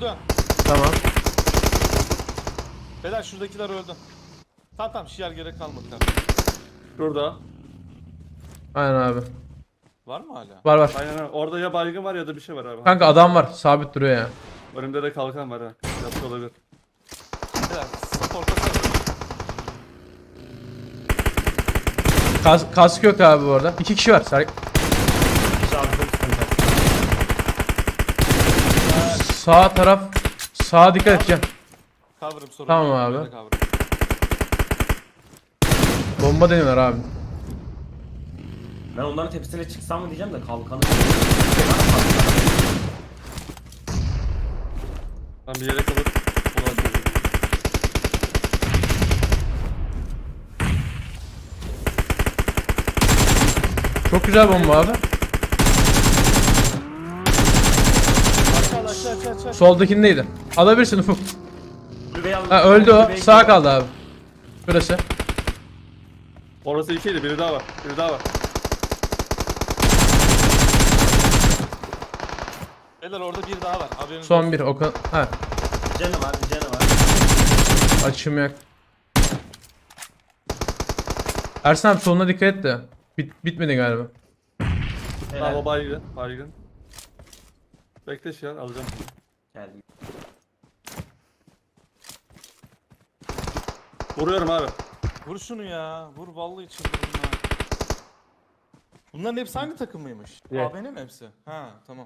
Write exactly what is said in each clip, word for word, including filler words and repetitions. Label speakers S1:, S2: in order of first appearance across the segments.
S1: öldü.
S2: Tamam.
S1: Beyler şuradakiler öldü. Tamam tamam şiar gerek kalmadı kanka.
S3: Şurada.
S2: Aynen abi.
S1: Var mı hala?
S2: Var var.
S3: Aynen öyle. Orada ya baygın var ya da bir şey var abi.
S2: Kanka adam var. Sabit duruyor ya.
S3: Önümde de kalkan var ha. Yapmış olabilir.
S1: Beyler support'a sarılın.
S2: Kas, kask yok abi bu arada. İki kişi var. Ser
S4: Şarjım sıkıntı.
S2: Sağ taraf. Sağa dikkat edeceğim.
S1: Cover'ım sorun
S2: Tamam
S1: yok,
S2: abi.
S1: böyle cover'ım.
S2: Bomba deniyorlar abi.
S4: Ben onların tepesine çıksam mı diyeceğim de kalkanı.
S3: Ben bir yere kalıp ulaşıyorum.
S2: Çok güzel bomba abi.
S1: Aşağı aşağı aşağı aşağı.
S2: Soldakindeydi. Alabilirsin Ufuk.
S4: Kulübeyi al-
S2: Ha öldü o.
S4: kulübeyi-
S2: Sağ kaldı abi. Şurası.
S3: Orası ikiydi. Biri daha var. Biri daha var.
S1: Beyler orada bir daha var. Haberiniz
S2: Son
S1: olsun.
S2: bir. Okan. Ha.
S4: Canı var, canı var.
S2: Açım yok. Ersin abi soluna dikkat et de. Bit bitmedi galiba.
S3: Tamam
S4: Helal.
S3: o baygın. Baygın. Bekle şu an alacağım.
S4: Geldim.
S3: Vuruyorum abi.
S1: Vur şunu ya. Vur vallahi çıldırdım ha. Bunların hepsi hangi takımıymış?
S2: Evet.
S1: A B N mi hepsi? Ha tamam.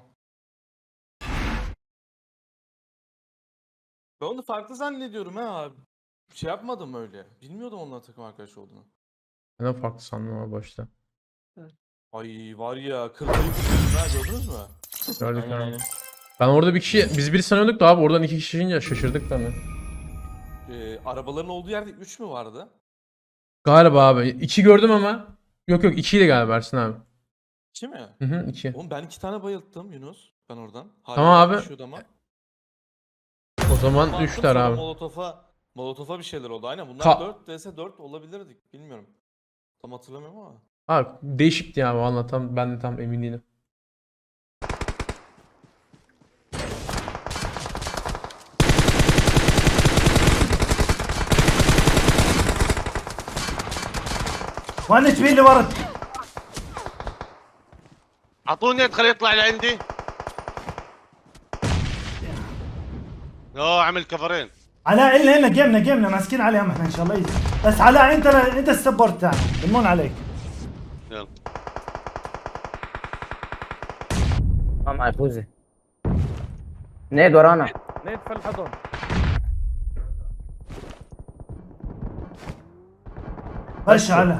S1: Ben onu farklı zannediyorum ha abi. Şey yapmadım öyle. Bilmiyordum onların takım arkadaş olduğunu.
S2: Ben de farklı sandım ama başta.
S1: Ay var ya kırmayı biliyorsun ha gördünüz mü?
S2: Gördük
S4: Aynen
S2: abi.
S4: aynen.
S2: Ben orada bir kişi, biz bir sanıyorduk da abi oradan iki kişi ince şaşırdık ben de.
S1: Ee, arabaların olduğu yerde üç mü vardı?
S2: Galiba abi. iki gördüm ama. Yok yok ikiydi galiba Ersin abi.
S1: İki mi?
S2: Hı hı iki.
S1: Oğlum ben iki tane bayılttım Yunus. Ben oradan. Hala
S2: Tamam abi.
S1: yaşıyordu ama.
S2: O zaman
S1: Ama
S2: üçler
S1: sonra
S2: abi.
S1: Molotof'a Molotof'a bir şeyler oldu. Aynen bunlar
S2: Ka-
S1: dört vs dört olabilirdik. Bilmiyorum. Tam hatırlamıyorum ama.
S2: Abi değişikti ya valla tam ben de tam emin değilim.
S5: وين تبي لي ورد؟
S6: اعطوني ادخل يطلع لعندي. اوه عمل كفرين.
S5: علاء إلنا إلنا جيمنا جيمنا ماسكين عليهم احنا ان شاء الله يجي. بس علاء انت انت السبورت تاعنا بنمون عليك.
S6: يلا
S7: اه معي فوزي نيد ورانا
S2: Net في الحضن.
S5: خش علاء.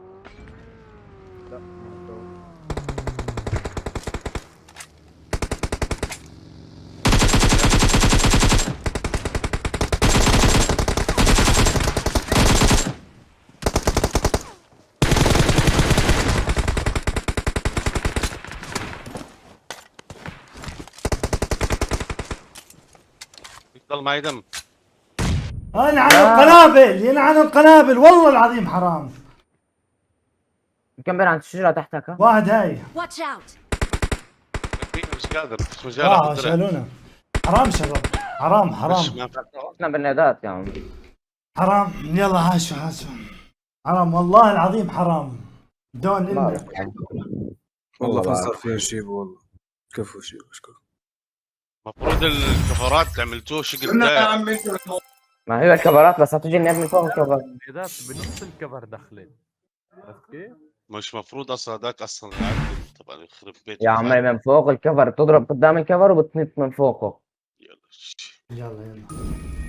S6: يضل معي دم.
S5: ينعن القنابل ينعن القنابل والله العظيم حرام.
S7: كم بين عند الشجرة تحتك ها؟
S5: واحد هاي.
S8: Watch out!
S6: مش قادر مش مجال
S5: اه
S6: اخذ درع.
S5: شالونا. حرام شباب. حرام حرام
S6: مش ما
S7: احنا بالنادات يا عم
S5: حرام. يلا هاشوا هاشوا. حرام والله العظيم حرام. دون
S7: ما
S5: إلنا.
S7: أعرف.
S9: والله ما صار فيها شيء والله كفو شيء اشكر
S6: المفروض الكفرات عملتوه شقل داير.
S7: ما هي الكفرات بس هتجي الناس من فوق الكفر
S2: بنص الكفر داخلين. عرفت كيف؟
S6: مش مفروض اصلا هذاك اصلا يعدل طبعا يخرب بيت
S7: يا عمي من فوق الكفر بتضرب قدام الكفر وبتنط من فوقه
S6: يلا
S5: يلا يلا.